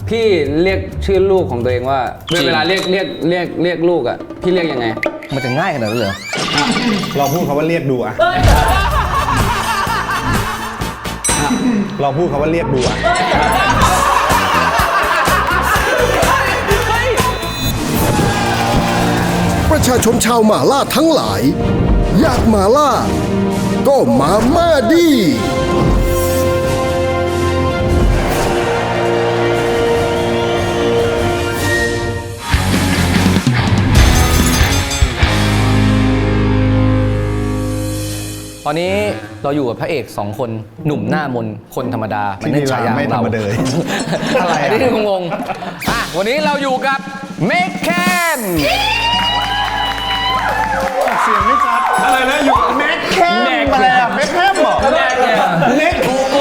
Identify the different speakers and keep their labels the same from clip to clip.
Speaker 1: พี่เรียกชื่อลูกของตัวเองว่าเวลาเรียกลูกอ่ะพี่เรียกยังไง
Speaker 2: มันจะง่ายขนาดนั้นเหรอ
Speaker 3: เราพูดคำว่าเรียกดูอะเราพูดคำว่าเรียกดูอะ
Speaker 4: ประชาชนชาวหม่าล่าทั้งหลายอยากหม่าล่าก็มาม่าดี
Speaker 2: ตอนนี้เราอยู่กับพระเอก2คนหนุ่มหน้ามนคนธรรมดา
Speaker 3: ที่นี่เราไม่ธรรมดา
Speaker 2: อะไรอันนี้งงวันนี้เราอยู่กับเมคแคน
Speaker 3: เสียงไม่ชัดอะไรนะอยู่กับแม็กแคมอะไรอะแม็กแคมเหรอแม็ก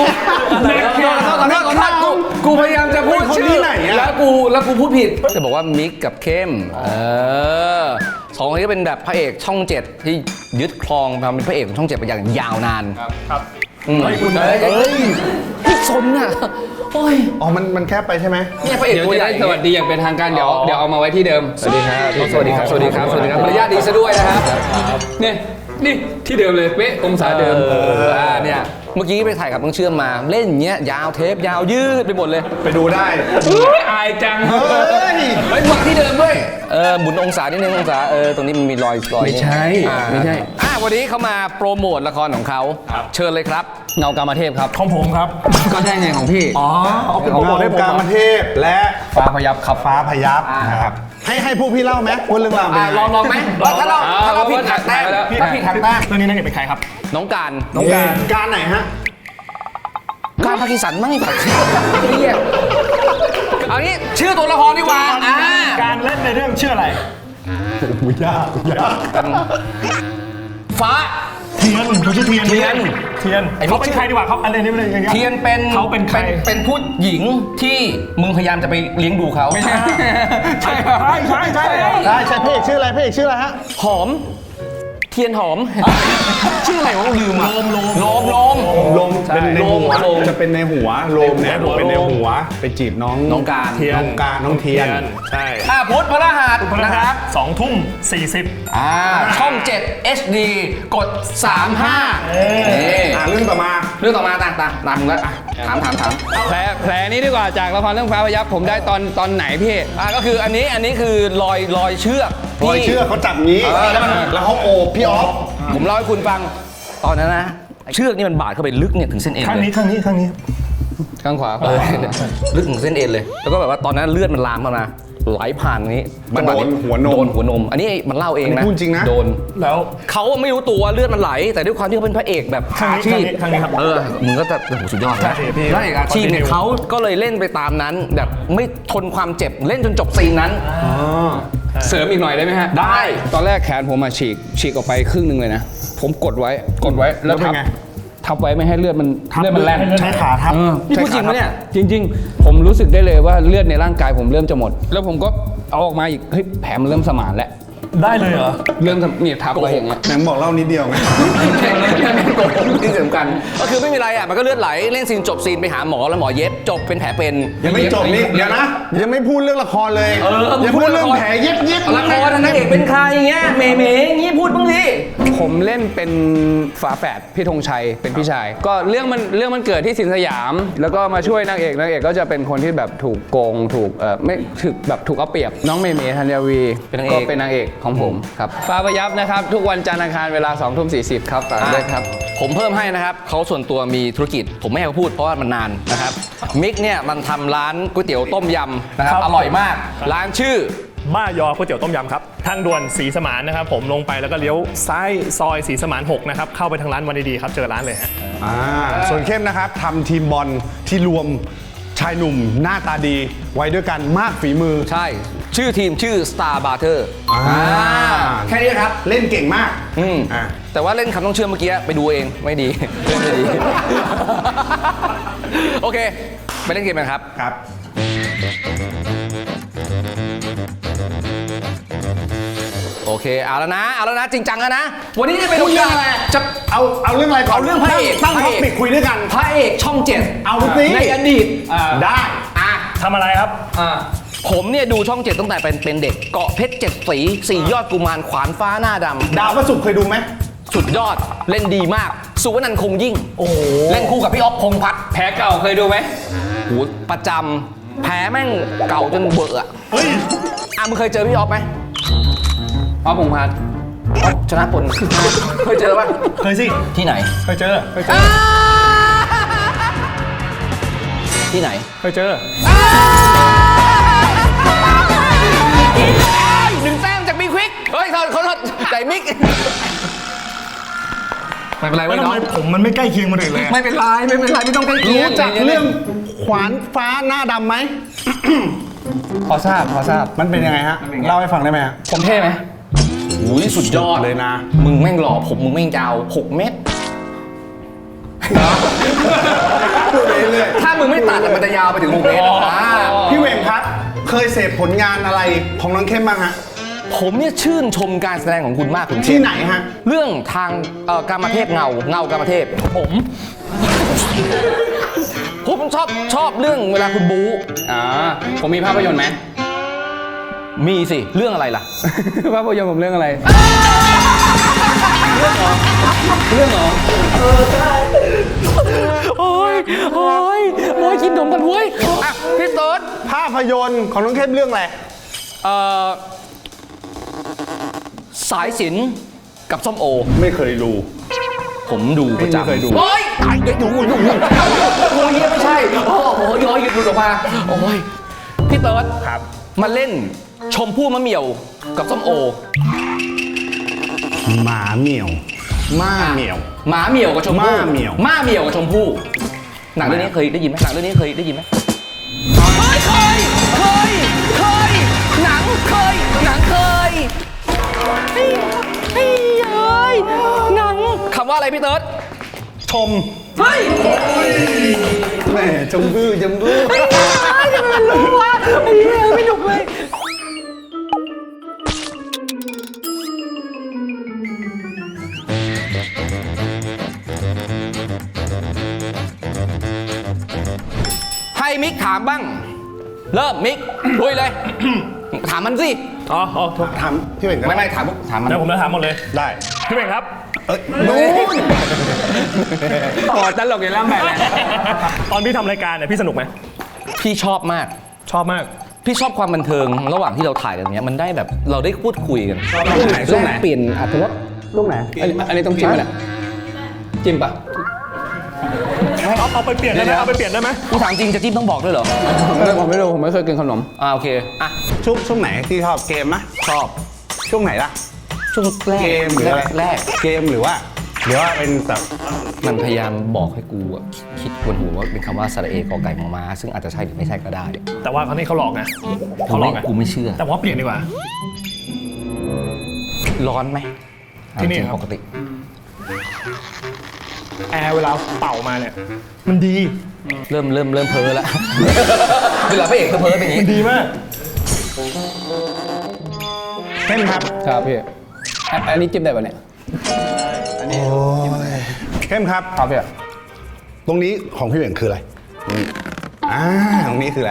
Speaker 1: กูพยายามจะพูดชื่อแล้วกูพูดผิด
Speaker 2: จะบอกว่ามิกกับเข้มสองคนนี้ก็เป็นแบบพระเอกช่อง7ที่ยึดครองทำเป็นพระเอกของช่อง7ไปอย่างยาวนาน
Speaker 3: ครับ
Speaker 2: พี่สนอ่ะโอ้ย
Speaker 3: มันแคบไปใช่ไหม
Speaker 2: เนี่ยพระเอกตัวใหญ่
Speaker 1: สวัสดีอย่างเป็นทางการเดี๋ยวเอามาไว้ที่เดิม
Speaker 2: สวัสดีครับสวัสดีครับสวัสดีครับสวัสดีครับมารยาทดีซะด้วยนะครับ
Speaker 1: นี่ที่เดิมเลยเป๊ะองศาเดิม
Speaker 2: เนี่ยเมื่อกี้ไปถ่ายกับน้องเชื่อมมาเล่นอย่างเงี้ยยาวเทปยาวยืดไปหมดเลย
Speaker 3: ไปดูได้
Speaker 1: อายจัง
Speaker 2: มาที่เดิมด้วยหมุนองศานิดนึงองศาตรงนี้มันมีรอย
Speaker 1: ไม่ใช่
Speaker 2: วันนี้เขามาโปรโมทละครของเขาเชิญเลยครับ
Speaker 1: เงากามเทพครับ
Speaker 3: ของผมครับ
Speaker 1: ก็ใช่ไงของพี่
Speaker 3: เอาเป็นโปรโมทให้ผมกามเทพและ
Speaker 1: ฟ้าพยับครับ
Speaker 3: ฟ้าพยับนะครับให้พวกพี่เล่าไหมว่าเรื่องราวเป็นยังไง
Speaker 2: ลองไหมถ้าเราผิดหักแต้มผิดหักแต้ม
Speaker 3: เรื่องนี้นักเอกเป็นใครครับ
Speaker 2: น้องการ
Speaker 3: การไหนฮะ
Speaker 2: การพากิสันมั่งไอ้ผักเรียกเอางี้ชื่อตัวละครดีกว่า
Speaker 3: การเล่นในเรื่องชื่ออะไรยาก
Speaker 2: ฟ้า
Speaker 3: เทียนเขาชื่อเทียนเขาเป็นใครดีกว่าเขาอะไรนี่เลย
Speaker 2: เทียนเป็น
Speaker 3: เขาเป็นใคร
Speaker 2: เป็นผู้หญิงที่มึงพยายามจะไปเลี้ยงดูเขา
Speaker 3: ไม่ใช่ใช่พระเอกชื่ออะไรฮะ
Speaker 2: หอมเทียนหอมชื่ออะไรวะลืมอ่ะ
Speaker 3: ลมเป็นในหัวจะเป็นในหัวลมเนี่ยเป็นในหัวไปจีบน้อง
Speaker 2: การ
Speaker 3: น้องเทียนใช่
Speaker 2: พุธพฤหัสนะครับ
Speaker 3: 20:40
Speaker 2: ช่อง7 HD กด35
Speaker 3: เรื่องต่อมา
Speaker 2: ตามมึงแล้วถาม
Speaker 1: แผลนี้ดีกว่าจากละครเรื่องฟ้าพยับผมได้ตอนไหนพี่
Speaker 2: ก็คืออันนี้คือรอยเชือก
Speaker 3: เขาจับงี้แล้วเขาโอบพี่ออฟ
Speaker 2: ผมเล่าให้คุณฟังตอนนั้นนะเชือกนี่มันบาดเข้าไปลึกเนี่ยถึงเส้นเอ็น
Speaker 3: ข้างนี้
Speaker 1: ข้างขวา
Speaker 2: ลึกถึงเส้นเอ็นเลยแล้วก็แบบว่าตอนนั้นเลือดมันลามมาไหลผ่านนี้
Speaker 3: มันโดนหัวนม
Speaker 2: อันนี้มันเล่าเองนะ
Speaker 3: พูดจริงนะ
Speaker 2: โดนแล้วเขาไม่รู้ตัวเลือดมันไหลแต่ด้วยความที่เขาเป็นพระเอกแบบอาชีพมึงก็จะสุดยอดนะพระเอกอาชีพเนี่ยเขาก็เลยเล่นไปตามนั้นแบบไม่ทนความเจ็บเล่นจนจบซีนนั้น
Speaker 1: เสริมอีกหน่อยได้ไหมฮะ
Speaker 2: ได้
Speaker 1: ตอนแรกแขนผมมาฉีกออกไปครึ่งนึงเลยนะผมกดไว้แล้วทับไว้ไม่ให้เลือดมันแล่น
Speaker 3: ใช้ขาทับ
Speaker 2: นี่พูดจริงไหมเนี่ย
Speaker 1: จริงๆผมรู้สึกได้เลยว่าเลือดในร่างกายผมเริ่มจะหมดแล้วผมก็เอาออกมาอีกเฮ้ยแผลมันเริ่มสมานแล้ว
Speaker 3: ได้เลยเหรอ
Speaker 1: เริ่มเนี่ยทับไว้อย่างเงี้ย
Speaker 3: แหนบอกเล่านิดเดียวไง
Speaker 2: ที่สำคัญก็คือไม่มีอะไรมันก็เลือดไหลเล่นซีนจบซีนไปหาหมอแล้วหมอเย็บจบเป็นแผลเป็น
Speaker 3: ยังไม่จบนี่เดี๋ยวนะยังไม่พูดเรื่องละครเลยยังพูดเรื่องแผลเย็บ
Speaker 2: ละครนักเอกเป็นใครเงี้ยเมงี้พูดบ้างดิ
Speaker 1: ผมเล่นเป็นฝาแฝดพี่ธงชัยเป็นพี่ชายก็เรื่องมันเกิดที่สินสยามแล้วก็มาช่วยนางเอกก็จะเป็นคนที่แบบถูกโกงถูกไม่ถูกแบบถูกเอาเปรียบน้องเมธัญวีก็เป็นนางเอกของผมครับฟ้าพยับนะครับทุกวันจันทร์อังคารเวลา 20:40 ครับฝากด้วยครับ
Speaker 2: ผมเพิ่มให้นะครับเขาส่วนตัวมีธุรกิจผมไม่ให้เขาพูดเพราะว่ามันนานนะครับมิกเนี่ยมันทำร้านก๋วยเตี๋ยวต้มยำนะครับอร่อยมากร้านชื่อ
Speaker 5: ม่ายอก๋วยเตี๋ยวต้มยำครับทางด่วนศรีสมานนะครับผมลงไปแล้วก็เลี้ยวซ้ายซอยศรีสมาน6นะครับเข้าไปทางร้านวันดีๆครับเจอร้านเลยฮะ
Speaker 3: ส่วนเข้มนะครับทำทีมบอลที่รวมชายหนุ่มหน้าตาดีไว้ด้วยกันมากฝีมือ
Speaker 2: ใช่ชื่อทีมชื่อ Star Butter แค่นี้ครับ
Speaker 3: เล่นเก่งมาก
Speaker 2: แต่ว่าเล่นคำต้องเชื่อเมื่อกี้ไปดูเองไม่ดีโอเคไปเล่นเกมกันครับโอเคเอาแล้วนะจริงจังแล้วนะวันนี้จะไปดูเรื่องอะไร
Speaker 3: จะเอาเรื่องอะไรก่อน
Speaker 2: เอาเรื่องพระเอก
Speaker 3: ตั้งท็อปิกคุยด้วยกัน
Speaker 2: พระเอกช่อง7
Speaker 3: เอาสิ
Speaker 2: ในอดีต
Speaker 3: ได้
Speaker 2: ท
Speaker 5: ทำอะไรครับ
Speaker 2: ผมเนี่ยดูช่อง 7ตั้งแต่เป็นเด็กเกาะเพชร7 สี4 ยอดกุมารขวานฟ้าหน้าดำ
Speaker 3: ดาวพระศุกร์เคยดูไหม
Speaker 2: สุดยอดเล่นดีมาก สุวรรณคงยิ่ง โอ้เล่นคู่กับพี่อ๊อฟพงษ์พัฒน์
Speaker 1: แพ้เก่าเคยดูไหม
Speaker 2: โหประจำแพ้แม่งเก่าจนเบื่ออะมึงเคยเจอพี่อ๊อฟไหม
Speaker 1: อ๋อพงษ์พัฒน์
Speaker 2: อ๊อฟชนะพล เคยเจอปะ
Speaker 5: เคยสิ
Speaker 2: ที่ไหน
Speaker 5: เคยเจอ
Speaker 2: ที่ไหน
Speaker 5: เคยเจอ
Speaker 2: 1 แต้มจากบิ๊กควิกเฮ้ยเขาใจมิกไม่เป็นไร
Speaker 3: แล้ว
Speaker 2: เว้ย
Speaker 3: ทำ
Speaker 2: น้อ
Speaker 3: ไม
Speaker 2: ง
Speaker 3: ผมมันไม่ใกล้เคียงคนอื่นเลย
Speaker 2: ไม่เป็นไรไม่ต้องใกล้เคียง
Speaker 3: รู้จักเรื่องขวานฟ้าหน้าดำไหม
Speaker 1: พอทราบ
Speaker 3: มันเป็นยังไงฮะ เล่าให้ฟังได้ไหมฮะ
Speaker 1: ผมเท่ไหม
Speaker 2: อุ้ยสุดยอด
Speaker 3: เลยนะ
Speaker 2: มึงแม่งหล่อผมมึงแม่งยาว6 เมตร ถ้ามึงไม่ตัดอะมันจะยาวไปถึง6 เมตรอ่า
Speaker 3: พี่เวงครับ เคยเสพผลงานอะไรของน้องเข้มบ้างฮะ
Speaker 2: ผมเนี่ยชื่นชมการแสดงของคุณมากคุณ
Speaker 3: ที่ไหนฮะ
Speaker 2: เรื่องทางกามเทพเงากามเทพผมชอบเรื่องเวลาคุณบู๊
Speaker 1: ผมมีภาพยนตร์ไหม
Speaker 2: มีสิเรื่องอะไรล่ะ
Speaker 1: ภาพยนตร์ผมเรื่องอะไร เรื่องเหรอ
Speaker 2: โอ้ยกินนมกันเว้ยอ่ะพี่เติร์ด
Speaker 3: ภาพยนตร์ของน้องเข้มเรื่องอะไร
Speaker 2: สายสิญจน์กับส้มโอ
Speaker 3: ไม่เคยดู
Speaker 2: ผมดูประจำ
Speaker 3: ไม่เคยดู
Speaker 2: โอ้ยเดี๋ยวดูโอ้ยเหี้ยไม่ใช่โอ้โหย้อยหยุดออกมาโอ้ยพี่เติร์ด
Speaker 3: ครับ
Speaker 2: มาเล่นชมพู่มะเหมี่ยวกับส้มโอ
Speaker 3: หมาเหมียวม่าเหมียว
Speaker 2: หมาเหมี่ยวกับชมพู่
Speaker 3: ม้าเหมี่ยว
Speaker 2: ม้าเหมี่ยวกับชมพู่หนังเรื่องนี้เคยได้ยินไหมหนังเรื่องนี้เคยได้ยินไหมเคยหนังเคยหนังคำว่าอะไรพี่เติร์ด
Speaker 3: ชม
Speaker 2: เฮ้ย
Speaker 3: แหม่จมบื้อ
Speaker 2: ไม่หนุกเลยให้มิกถามบ้าง เริ่มมิกลุยเลย ถามมันสิ
Speaker 5: อ๋อโทษ
Speaker 3: ถามพี่เวงครับ
Speaker 2: ไม่ถามมัน
Speaker 5: เดี๋ยวผมจะถามหมดเลย
Speaker 3: ได้
Speaker 5: พี่เบ่งครับ
Speaker 3: นู่น
Speaker 1: โอ้ตลกอย่างล่ำแบบแหละ
Speaker 5: ตอนพี่ทำรายการเนี่ยพี่สนุกไหม
Speaker 2: พี่ชอบมาก
Speaker 5: ชอบมาก
Speaker 2: พี่ชอบความบันเทิงระหว่างที่เราถ่ายกันอย่างเงี้ยมันได้แบบเราได้พูดคุยกัน
Speaker 1: ช่วงไหนช่วงไหน
Speaker 2: แลกเปลี่ยนอรรถรส
Speaker 1: ลูกไหน อันนี้ต้องจิ้มไหมเนี่ยจิ้มปะ
Speaker 5: เอาไปเปลี่ยนได้ไหมเอาไปเปลี่ยนได้ไหม
Speaker 2: กูถามจริงจะจิ้มต้องบอกด้วยเหรอ
Speaker 1: ผมไม่รู้ผมไม่เคยกินขนม
Speaker 2: โอเคอ่ะ
Speaker 3: ช่วงไหนที่ชอบเกมนะ
Speaker 2: ชอบ
Speaker 3: ช่วงไหนล่ะ
Speaker 2: ช่วงแรก
Speaker 3: เกมหรืออะไร
Speaker 2: แรก
Speaker 3: เกมหรือว่าเป็นแบบ
Speaker 2: มันพยายามบอกให้กูอะคิดบนหัวว่าเป็นคำว่าสระเอกอไก่มอม้าซึ่งอาจจะใช่หรือไม่ใช่ก็ได้
Speaker 5: แต่ว่าคราวนี้เขาหลอกไงเขาหลอกไง
Speaker 2: กูไม่เชื่อ
Speaker 5: แต่ว่าเปลี่ยนดีกว่า
Speaker 2: ร้อนไหม
Speaker 5: ที่นี่
Speaker 2: จริง
Speaker 5: ครับ
Speaker 2: ปกติ
Speaker 5: แอร์เวลาเป่ามาเนี่ย มันดี
Speaker 2: เริ่มเพ้อแล้ว เวลาพระเอกเพ้อเป็นอย่าง
Speaker 5: มัน
Speaker 2: นี้
Speaker 5: ดีมาก
Speaker 3: เข้มครับ
Speaker 1: ครับพี่อันนี้จิ้มได้ปะเนี่ย
Speaker 3: เข้มครับ
Speaker 1: ครับพี่
Speaker 3: ตรงนี้ของพี่เวงคืออะไรตรงนี้คืออะไร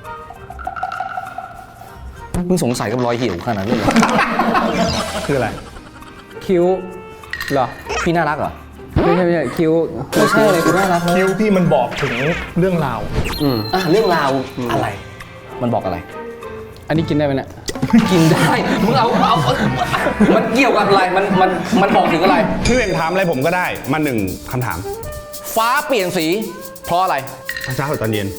Speaker 2: มึงสงสัยกับรอยเหี่ยวขนาดนั้นเลยเหรอ
Speaker 3: คืออะไร
Speaker 1: คิ้วเหรอ
Speaker 2: พี่น่ารักเหรอ
Speaker 1: ไม่ใช่คิ้ว
Speaker 2: ไม่ใช่เลยคุณน่ารัก
Speaker 5: คิ้วพี่มันบอกถึงเรื่องราว
Speaker 2: เรื่องราวอะไร มันบอกอะไร
Speaker 1: อันนี้กินได้ไหมเนี่ย
Speaker 2: กินได้ มึงเอามันเกี่ยวกับอะไร มันบอกถึงอะไร
Speaker 3: พี่เวงถามอะไรผมก็ได้มาหนึ่งคำถาม
Speaker 2: ฟ้าเปลี่ยนสี เพราะอะไร
Speaker 3: ตอนเช้าหรือตอนเย็น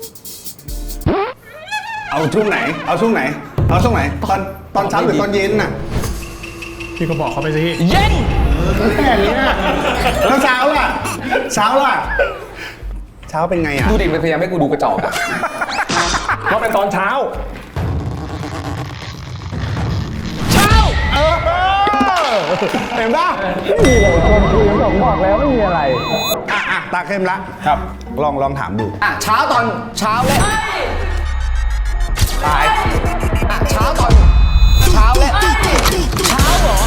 Speaker 3: เอาช่วงไหน เอาช่วงไหนตอนเช้าหรือตอนเย็นน่ะ
Speaker 5: พี่ก็บอกเขาไปสิ
Speaker 2: เย็น
Speaker 3: แค่นี้แล้วเช้าล่ะ เช้าเป็นไงอ่ะ
Speaker 2: ดูดิมันพยายามให้กูดูกระจอกอะ
Speaker 5: ว่าเป็นตอนเช้า
Speaker 2: เช้า
Speaker 3: เห็นป่ะ
Speaker 1: ผมบอกแล้วไม่มีอะไร
Speaker 3: ตาเข้มละครับ ลองถามดู
Speaker 2: เช้าตอนเช้าและตายเช้าตอนเช้าและเช้าเหรอ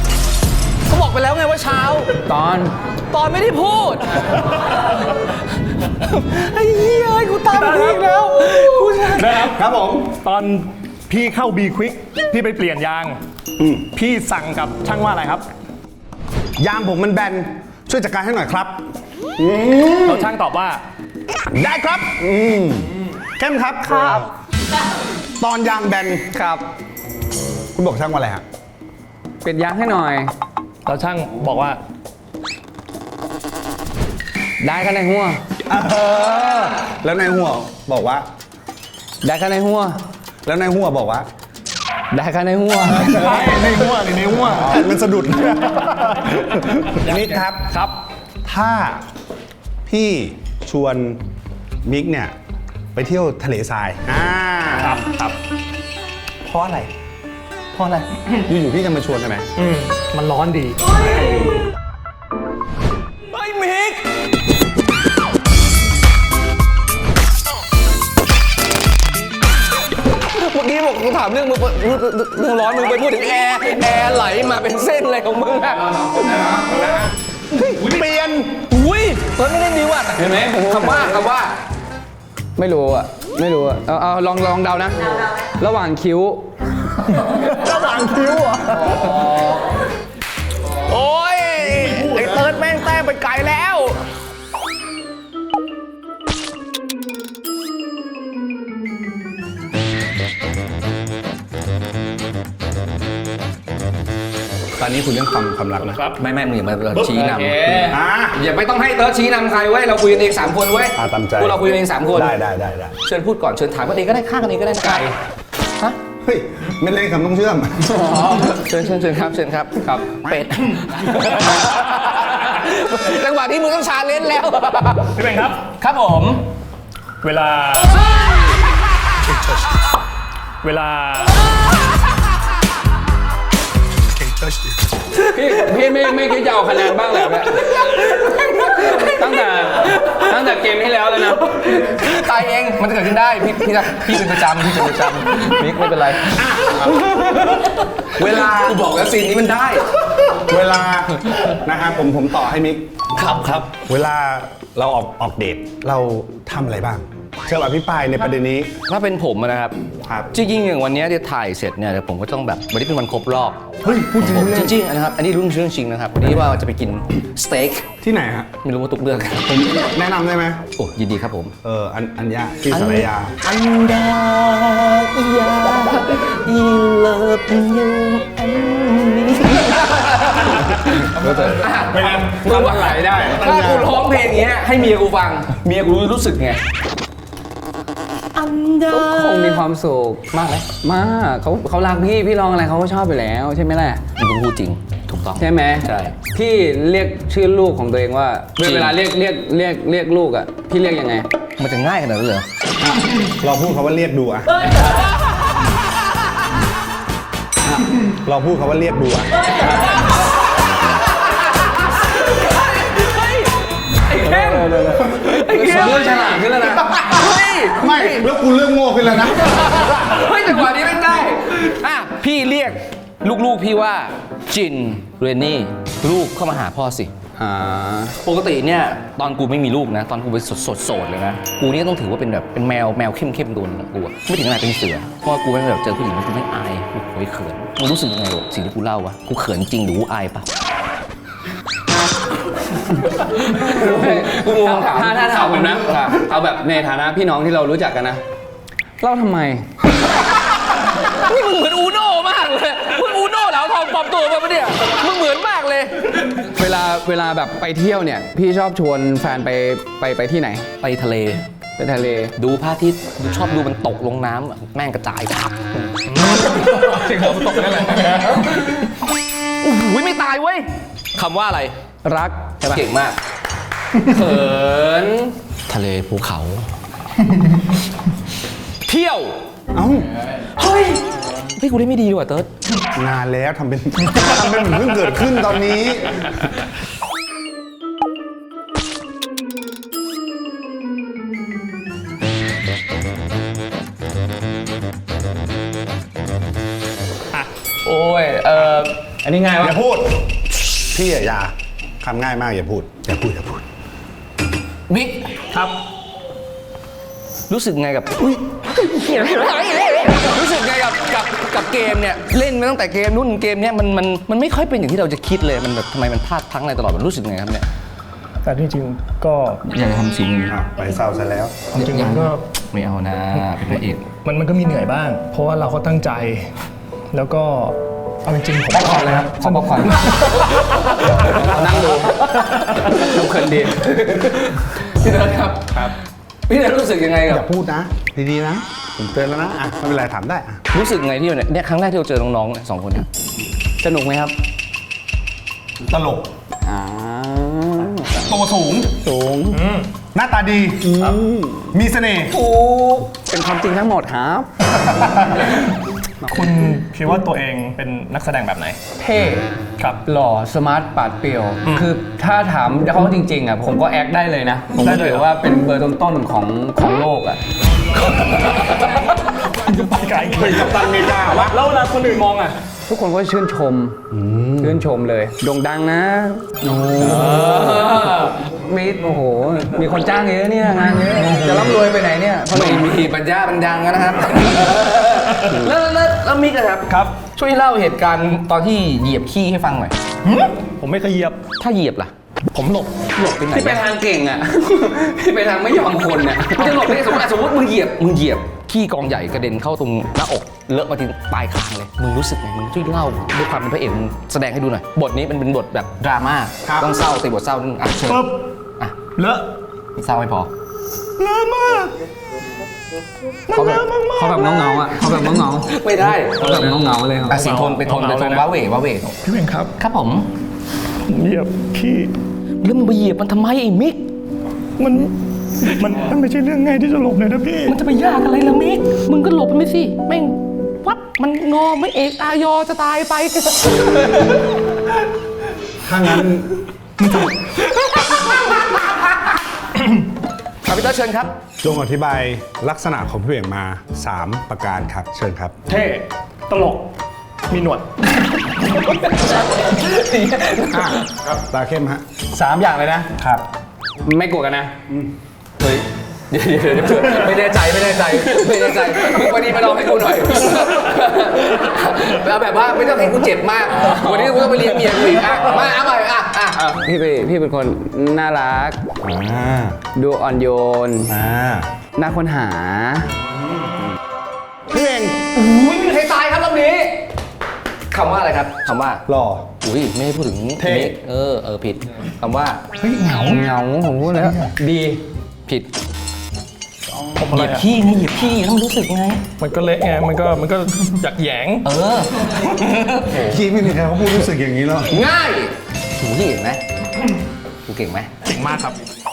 Speaker 2: เขาบอกไปแล้วไงว่าเช้า
Speaker 1: ตอน
Speaker 2: ไม่ได้พูดไอ้เหี้ยกูตามพี่อีกแล้วกูจะ
Speaker 5: นะครับ
Speaker 3: ครับผม
Speaker 5: ตอนพี่เข้า B Quick พี่ไปเปลี่ยนยาง พี่สั่งกับช่างว่าอะไรครับ
Speaker 3: ยางผมมันแบน ช่วยจัดการให้หน่อยครับ
Speaker 5: แล้วช่างตอบว่า
Speaker 3: ได้ครับเข้มครับ ตอนยางแบน
Speaker 1: ครับ
Speaker 3: คุณบอกช่างว่าอะไรฮะ
Speaker 1: เปลี่ยนยางให้หน่อย
Speaker 5: แล้วช่างบอกว่า
Speaker 1: ได้ข้างในหัว
Speaker 3: แล้วนายหัวบอกว่า
Speaker 1: ได้ข้างในหัว
Speaker 3: แล้วนายหัวบอกว่า
Speaker 1: ได้ข้างในหัว
Speaker 3: ในหัวในหัวมันสะดุดมิกครับ
Speaker 5: ครับ
Speaker 3: ถ้าพี่ชวนมิกเนี่ยไปเที่ยวทะเลทราย
Speaker 5: ครับ
Speaker 3: เพราะอะไร เพราะอะไร อยู่ๆพี่จะมาชวนใช่ไหม
Speaker 5: มันร้อนดี
Speaker 2: ไอ้มิกเมื่อกี้บอกกูถามเรื่องร้อนมึงไปพูดถึงแอร์ไหลมาเป็นเส้นอะไรของมึงอะ
Speaker 3: เปลี่ยน
Speaker 2: อุ้ยเฮ้ยไม่ได้ดีว่ะ
Speaker 1: เห็นไหมผม
Speaker 2: คำว่า
Speaker 1: ไม่รู้อ่ะ ไม่รู้อ่ะ เอาลองเดานะ ระหว่างคิ้ว
Speaker 2: โอ้ยไอ้เติร์ดแม่งแต้มไปไกลแล้ว
Speaker 3: ตอนนี้คุณเรื่องความรักนะ
Speaker 2: ไม่มึงอย่ามาชี้น
Speaker 3: อ่า
Speaker 2: ำอย่าไม่ต้องให้เติร์ดชี้นำใครเว้ยเราคุยกันเอง3 คนเว้ย
Speaker 3: ตามใจ
Speaker 2: พวกเราคุยกันเอง3 คน
Speaker 3: ได้
Speaker 2: เชิญพูดก่อนเชิญถามกันเองก็ได้ฆ่ากันเองก็ได้นะไก่ฮะ
Speaker 3: เฮ้ยไม่เล่นคำต้องเชื่อม
Speaker 2: เชิญครับครับเป็ด จังหวะที่มึงต้องชาเลนจ์แล้ว
Speaker 5: พี่เป็นครับ
Speaker 2: ครับผม
Speaker 5: เวลา
Speaker 1: พี่ไม่คิดจะเอาคะแนนบ้างเลยเนี่ยตั้งแต่เกมที่แล้วแล้วนะ
Speaker 2: ตายเองมันจะเกิดขึ้นได้พี่เป็นประจำมิกไม่เป็นไร
Speaker 3: เวลา
Speaker 2: กูบอกแล้วซีนนี้มันได้
Speaker 3: เวลานะครับผมต่อให้มิก
Speaker 2: ครับ
Speaker 3: เวลาเราออกเดทเราทำอะไรบ้างเชิญอภิปรายในประเด็นนี้
Speaker 2: ถ้าเป็นผมอะนะครับ
Speaker 3: ครับ
Speaker 2: จริงๆอย่างวันเนี้ยที่ถ่ายเสร็จเนี่ยเดี๋ยวผมก็ต้องแบบวันนี้เป็นวันครบรอบ
Speaker 3: เฮ้ยพูดจริง
Speaker 2: ผม
Speaker 3: เลย
Speaker 2: จริงๆนะครับอันนี้เรื่องจริงนะครับวันนี้ว่าจะไปกินสเต็ก
Speaker 3: ที่ไหนฮะ
Speaker 2: ไม่รู้ว่าตุกเลือก
Speaker 3: ผมแนะนำได้ไหม
Speaker 2: โอ้ยินดีครับผม
Speaker 3: อัญญาที่สารยา
Speaker 2: อันดาอียาอีเลิฟยูอันนี้
Speaker 5: ไม่งั้น
Speaker 1: ทำอะไรได้
Speaker 2: ถ้ากูร้องเพลงเงี้ยให้เมียกูฟังเมียกูรู้สึกไงอันดา
Speaker 1: คงมีความสุข
Speaker 2: มากไหม
Speaker 1: มากเขารักพี่ร้องอะไรเขาก็ชอบไปแล้วใช่ไหมล่ะ
Speaker 2: มึงพูดจริงถูกต้อง
Speaker 1: ใช่ไหม
Speaker 2: ใช่
Speaker 1: พี่เรียกชื่อลูกของตัวเองว่า
Speaker 2: จริง
Speaker 1: เวลาเรียกลูกอ่ะพี่เรียกยังไง
Speaker 2: มันจะง่ายขนาดนั้นเลยเหรอ
Speaker 3: เราพูดคำว่าเรียกดูอะเราพูดคำว่าเรียกดูอะ
Speaker 2: ไอ้เข้มไอ้เข้ม
Speaker 1: เริ่มฉลาดขึ้นแล้วนะ
Speaker 2: เฮ้ย
Speaker 3: ไม่แล้วกูเรื่องโง่ขึ้นแล้วนะ
Speaker 2: เฮ้ยจังหวะนี้ไม่ได้อ่ะพี่เรียกลูกๆพี่ว่าจินเรนนี่ลูกเข้ามาหาพ่อสิ
Speaker 1: อ่า
Speaker 2: ปกติเนี่ยตอนกูไม่มีลูกนะ ตอนกูเป็นโสดเลยนะกูนี่ต้องถือว่าเป็นแบบเป็นแมวเข้มตัวนึงนะกูอะไม่ถึงขนาดเป็นเสือเพราะว่ากูไม่แบบเจอผู้หญิงแล้วกูไม่อายกูโวยเขินมึงรู้สึกยังไงวะสิ่งที่กูเล่าวะกูเขินจริงหรือกูอายปะกูงงคำถาม
Speaker 1: ถ้าถามผมนะเอาแบบในฐานะพี่น้องที่เรารู้จักกันนะเล่าทำไม
Speaker 2: นี่มึงเหมือนอูโน่มากเลยมึงอูโน่แล้วทองปลอมตัวมาปะเนี่ยมึงเหมือนมากเลย
Speaker 1: เวลาแบบไปเที่ยวเนี่ยพี่ชอบชวนแฟนไปที่ไหน
Speaker 2: ไปทะเล
Speaker 1: ไปทะเล
Speaker 2: ดูพระอาทิตย์ชอบดูมันตกลงน้ำอะแม่งกระจายครับ
Speaker 5: จริงเหรอตกนั่นแหละ
Speaker 2: โอ้โหไม่ตายเว้ยคำว่าอะไร
Speaker 1: รักใช่ปะ
Speaker 2: เก่งมาก
Speaker 1: เขิน
Speaker 2: ทะเลภูเขา เที่ยว
Speaker 3: เอ้า
Speaker 2: เฮ้ยพี่กูได้ไม่ดีดีกว่าเติร์ด
Speaker 3: นานแล้วทำเป็นเหมือนเพิ่งเกิดขึ้นตอนนี้
Speaker 1: โอ้ยอันนี้ง่ายวะ
Speaker 3: อย่าพูด พี่อย่าคำง่ายมากอย่าพูด
Speaker 2: มิก
Speaker 5: ครับ
Speaker 2: รู้สึกไงกับรู้สึกไงกับเกมเนี่ยเล่นมาตั้งแต่เกมนู้นเกมเนี้ยมันไม่ค่อยเป็นอย่างที่เราจะคิดเลยมันแบบทำไมมันพลาดพลั้งอะไรตลอดมันรู้สึกไงครับเนี่ย
Speaker 5: แต่จริงๆก็
Speaker 2: อยากจะทำสิ่งนี้
Speaker 3: ไปเศร้าซะแล้ว
Speaker 5: จริงๆมันก็
Speaker 2: ไม่เอานะเป็นพระเอก
Speaker 5: มันก็มีเหนื่อยบ้าง เพราะว่าเราก็ตั้งใจ แล้วก็เอาจริงๆผม
Speaker 1: ป๊อปคอร์นเลยครับขอป๊อปคอร์นนั่งดูดูเพลินดี
Speaker 2: พี่เนิร์ดครับพี่เนิร์ดรู้สึกยังไง
Speaker 3: อ
Speaker 2: กับ
Speaker 3: ย่าพูดนะ ดีๆนะ ผมเตือนแล้วนะอ่ะไม่เป็นไรถามได้อ่ะ
Speaker 2: รู้สึกไงที่เนี่ยครั้งแรกที่เราเจอน้องๆเนี่ยสองคนเนี่ย
Speaker 1: สนุกไหมครับ
Speaker 3: ตลก
Speaker 1: อ่า
Speaker 3: ตัวสูง
Speaker 1: สูง
Speaker 3: หน้าตาดี มีเสน่ห์
Speaker 1: เป็นความจริงทั้งหมดครับ
Speaker 5: คุณคิดว่าตัวเองเป็นนักแสดงแบบไหน
Speaker 1: เท่
Speaker 5: ครับ
Speaker 1: หล่อสมาร์ทปราดเปรียว คือถ้าถามเขาจริงๆอ่ะผมก็แอคได้เลยนะ ผม
Speaker 5: ได้
Speaker 1: ก็
Speaker 5: เลย
Speaker 1: ถื
Speaker 5: เหร
Speaker 1: อ
Speaker 5: อ
Speaker 1: ว่าเป็นเบอร์ต้นๆของโลกอ่ะ
Speaker 5: ไปไกล
Speaker 3: เป็นกัปตันอเมริกาวะ
Speaker 5: แล้วเวลาคนอื่นมองอ่ะ
Speaker 1: ทุกคนก็ชื่นชมเลยโด่งดังนะมีโอ้โห มีคนจ้างเยอะเนี่ยงานเยอะจะร่ำรวยไปไหนเนี่ยเพราะ
Speaker 2: ไม่มีปัญญาบันดังนะครับ แล้วมิกอะครับ
Speaker 5: ครับ
Speaker 2: ช่วยเล่าเหตุการณ์ตอนที่เหยียบขี้ให้ฟังหน่อย
Speaker 5: ผมไม่เคยเหยียบ
Speaker 2: ถ้าเหยียบล่ะ
Speaker 5: ผมหลบ
Speaker 2: หลบไปไหน
Speaker 1: พี่ไปทางเก่งอ่ะ พี่ไปทางไม่ยอมคนอ่ะ
Speaker 2: มันจะหลบได้สมมติมึงเหยียบขี้กองใหญ่กระเด็นเข้าตรงหน้าอกเลอะมาถึงปลายคางเลยมึงรู้สึกไงมึงช่วยเล่าด้วยความเป็นพระเอกมึงแสดงให้ดูหน่อยบทนี้มันเป็นบทแบบดราม่า
Speaker 3: ครับ
Speaker 2: ต้องเศร้าตีบทเศร้านิดนึงอ่ะเชิญ
Speaker 5: ปึ๊บ
Speaker 2: อ่ะ
Speaker 5: เลอะ
Speaker 2: เศร้าไม่พอ
Speaker 5: เลอะมาก
Speaker 1: เขาแบบเงาๆอ่ะเขาแบบเงา
Speaker 2: ไม่ได้
Speaker 1: ๆเขาแบบเงาๆเลยครับ
Speaker 2: อ่ะสีโทนเป็นโทนว้าเหว
Speaker 5: พี่เองครับ
Speaker 2: ครับผม
Speaker 5: ผมเหยียบขี้
Speaker 2: แล้วมึงไปเหยียบมันทำไมไอ้มิก
Speaker 5: มันไม่ใช่เรื่องง่ายที่จะหลบเลยนะพี่
Speaker 2: มันจะไปยากอะไรล่ะมิกมึงก็หลบไปสิแม่งวับมันงอไม่เอกอายอจะตายไป
Speaker 3: ถ้างั้น
Speaker 2: ครับพี่เตอร์เชิญครับ
Speaker 3: จงอธิบายลักษณะของพี่เหว่งมา 3 ประการครับ เชิญครับ
Speaker 5: เท่ตลก มีหนวด
Speaker 3: ครับตาเข้มฮะ
Speaker 1: 3 อย่างเลยนะ
Speaker 3: ครับ
Speaker 1: ไม่กลัวกันนะ
Speaker 2: เฮ้ยเดี๋ยวไม่แน่ใจมึงวันนี้มาลองให้กูหน่อยแล้วแบบว่าไม่ต้องให้กูเจ็บมาก วันนี้กูต้องไปเลี้ยงเมียกูอีกอ่ะมาเอาใหม่อ่ะ
Speaker 1: พี่เป็นคนน่ารัก ดูอ่อนโยน น่าค้นหา
Speaker 3: พี่เหว่ง
Speaker 2: อุ้ยให้ตายครับรอบนี้คำว่าอะไรครับคำว่า
Speaker 3: หล่อ
Speaker 2: อุ้ยไม่ให้พูดถึง
Speaker 3: เท่
Speaker 2: มิกผิดคำว่า
Speaker 1: เงาผมพูดแล้ว ดี
Speaker 2: ผิด
Speaker 5: ผม
Speaker 2: เห
Speaker 5: อะไร
Speaker 2: ยียบ
Speaker 5: อะ
Speaker 2: ขี้ไงเหยียบขี้ต้องรู้สึกไง
Speaker 5: มันก็เละไง มันก็อยากแหยง
Speaker 3: ที่ไม่มีใครเขาพูดรู้สึกอย่างนี้หรอก
Speaker 2: ง่ายถูที่เห็นไหมกูเก่งไหม
Speaker 5: เก่งมากครับ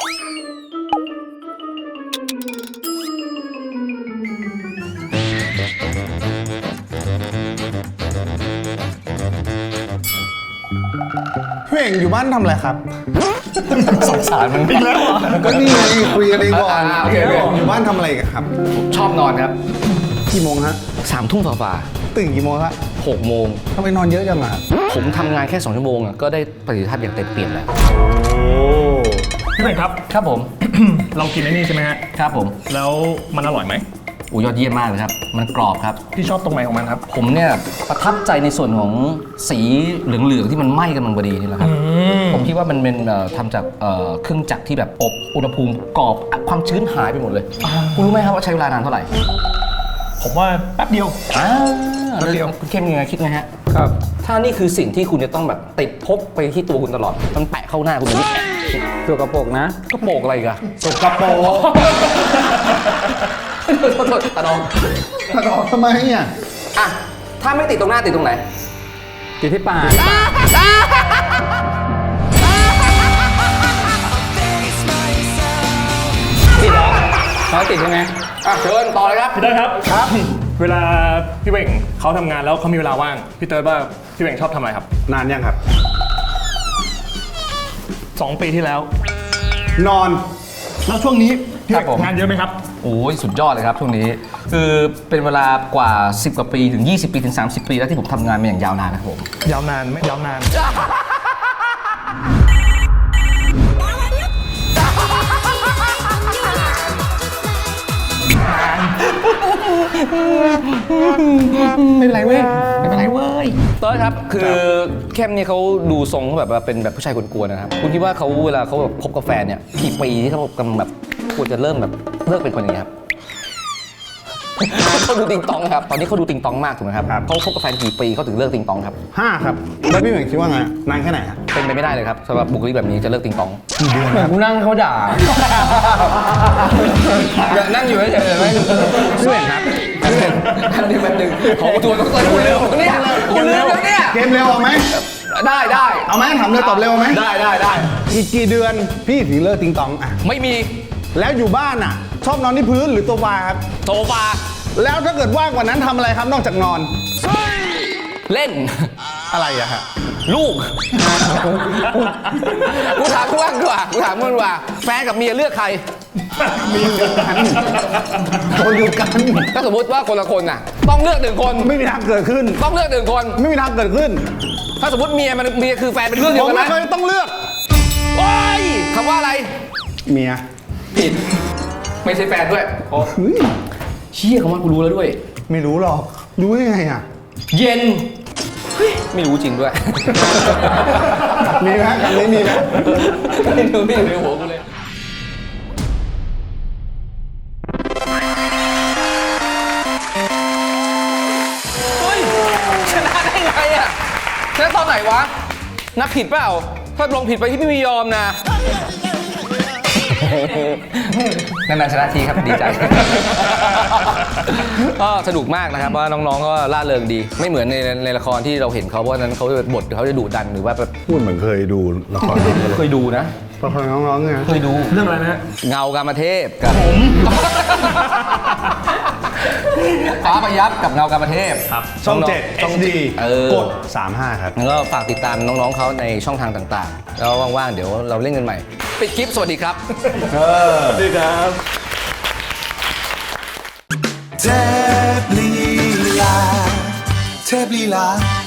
Speaker 3: พี่เหว่งอยู่บ้านทำอะไรครับ
Speaker 2: สงสารมันอีกแล้ว
Speaker 3: ก็นี่ไงคุยกันเองก่อน
Speaker 2: โอเค
Speaker 3: อยู่บ้านทำอะไรกันครับ
Speaker 2: ชอบนอนครับ
Speaker 3: กี่โมงฮะ
Speaker 2: 3 ทุ่มฝ่า
Speaker 3: ตื่นกี่โมงฮะ
Speaker 2: ๆ6 โมง
Speaker 3: ทำไมนอนเยอะจังอ่ะ
Speaker 2: ผมทำงานแค่ 2 ชั่วโมงอะก็ได้ประสิทธิภาพอย่างเต็มเปี่ยมแล้ว
Speaker 5: พี่เป็นครับ
Speaker 2: ครับผม
Speaker 5: เรากินไอ้นี่ใช่ไหมฮะ
Speaker 2: ครับผม
Speaker 5: แล้วมันอร่อยไหม
Speaker 2: อูยอดเยี่ยมมากเลยครับ มันกรอบครับ
Speaker 5: พี่ชอบตรงไหนของมันครับ
Speaker 2: ผมเนี่ยประทับใจในส่วนของสีเหลืองๆที่มันไหม้กำลังพอดีนี่แหละครับ ผมคิดว่ามันเป็นทำจากเครื่องจักรที่แบบอบอุณหภูมิกรอบความชื้นหายไปหมดเลยคุณรู้ไหมครับว่าใช้เวลานานเท่าไหร่
Speaker 5: ผมว่าแป๊บเดียว
Speaker 2: แป๊บเดียวคุณเข้มยังไงคิดไงฮะ
Speaker 1: ครับ
Speaker 2: ถ้านี่คือสิ่งที่คุณจะต้องแบบติดพกไปที่ตัวคุณตลอด มันแปะเข้าหน้าคุณแบบนี้
Speaker 1: ตัวกระโปรงนะ
Speaker 2: ก็โปกอะไรอีกันสกปรกโทษตาดอง
Speaker 3: ตัดออกทำไมอ่ะ
Speaker 2: อ่ะถ้าไม่ติดตรงหน้าติดตรงไหน
Speaker 1: ติดที่ปากติดเหรอเขาติดใช่ไหม
Speaker 2: อ่ะเชิญต่อเลยครับ
Speaker 5: พี่เติร์ดครับ ครับ เวลาพี่เวงเขาทำงานแล้วเขามีเวลาว่าง พี่เติร์ดว่าพี่เวงชอบทำอะไรครับ
Speaker 3: นานยังครับ
Speaker 5: 2 ปีที่แล้ว
Speaker 3: นอน
Speaker 5: แล้วช่วงนี้พี่
Speaker 2: ครับผม
Speaker 5: งานเยอะไหมครับ
Speaker 2: โอ้ยสุดยอดเลยครับช่วงนี้ คือเป็นเวลากว่า 10 กว่าปีถึง 20 ปีถึง 30 ปีแล้วที่ผมทำงานมาอย่างยาวนานนะครับผม
Speaker 5: ยาวนานไหมยาวนาน
Speaker 6: 「
Speaker 2: ไม่เป็นไรเว้ยไม่เป็นไรเว้ยต้นครับคือเข้มเนี่ยเขาดูทรงเขาแบบว่าเป็นแบบผู้ชายกวนๆนะครับคุณคิดว่าเขาเวลาเขาแบบคบกับแฟนเนี่ยกี่ปีที่เขากำลังแบบควรจะเริ่มแบบเลิกเป็นคนอย่างนี้ครับ เขาดูติงตองครับตอนนี้เขาดูติงตองมากถูกไหมครับเขาคบกับแฟนกี่ปีเขาถึงเลิกติงตองครับ
Speaker 3: 5 ครับ แล้วพี่เหม่งคิดว่าไงนานแค่ไหนครับ
Speaker 2: เป็นไปไม่ได้เลยครับสำหรับบุคลิกแบบนี้จะเลิกติงตอง
Speaker 1: เหมือนกูนั่งเขาด่านั่งอยู่เฉยๆไม่พี่เหม่งครับ
Speaker 2: อันนี้แบบหนึ่งขอตัวต้องคุณเร็วเนี่ยคุณเร็วเนี่ย
Speaker 3: เกมเร็วเอาไหม
Speaker 2: ได้
Speaker 3: เอาไหมถามเลยตอบเร็วไหม
Speaker 2: ได้
Speaker 3: อีกกี่เดือนพี่ถึงเลิกติงตองอ่ะ
Speaker 2: ไม่มี
Speaker 3: แล้วอยู่บ้านอ่ะ ชอบนอนที่พื้นหรือโซฟาครับ
Speaker 2: โซฟา
Speaker 3: แล้วถ้าเกิดว่างกว่านั้นทำอะไรครับนอกจากนอน
Speaker 2: เล่น
Speaker 3: อะไรอะฮะ
Speaker 2: ลูก กูถามมึงดีกว่าแฟนกับเมียเลือกใคร
Speaker 3: คนเดียวกัน
Speaker 2: ถ้าสมมติว่าคนละคนน่ะ ต้องเลือกหนึ่งคน
Speaker 3: ไม่มีทางเกิดขึ้น
Speaker 2: ต้องเลือกหนึ่งคน
Speaker 3: ไม่มีทางเกิดขึ้น
Speaker 2: ถ้าสมมติเมียคือแฟนเป็นเรื่องเดี
Speaker 3: ผ
Speaker 2: ยว
Speaker 3: ม
Speaker 2: กัน
Speaker 3: ไม่
Speaker 2: นะ
Speaker 3: เคยต้องเลือก
Speaker 2: โอ้ยคำว่าอะไร
Speaker 3: เมีย
Speaker 2: ผิด ไม่ใช่แฟนด้วย
Speaker 3: เฮ้ย
Speaker 2: เชี่ยคำว่ากูรู้แล้วด้วย
Speaker 3: ไม่รู้หรอก รู้ได้ไงอ่ะ
Speaker 2: เย็นเฮ้ยไม่รู้จริงด้วย
Speaker 3: มีไหมคำนี้มีไหม
Speaker 2: ไม่รู้ในหัวกูเลยเฮ้ยชนะได้ไงอ่ะชนะตอนไหนวะนับผิดเปล่าถ้าลงผิดไปที่ไม่ยอมนะนานๆชนะทีครับดีใจ ก็สนุกมากนะครับว่าน้องๆก็ล่าเริงดี ไม่เหมือนในละครที่เราเห็นเขาเพราะฉะนั้นเขาบทเขาจะดุดันหรือว่าแบบ
Speaker 3: พูดเหมือนเคยดูละคร
Speaker 2: เคยดูนะ
Speaker 3: ละครน้องๆไง
Speaker 2: เคยดู
Speaker 5: เรื่องอะไรนะ
Speaker 2: เงากามเทพกับผม ฟ้าพยับกับเงากามเทพ
Speaker 5: ครับ
Speaker 3: ช่อง
Speaker 2: น้ๆ
Speaker 3: 7 HD กด 35 ครับ
Speaker 2: แล้วก็ฝากติดตามน้องๆเขาในช่องทางต่างๆ แล้วว่างๆ เดี๋ยวเราเล่นกันใหม่ ปิดคลิป สวัสดีครับ
Speaker 5: สวัสดีครับ
Speaker 6: เทพลีลา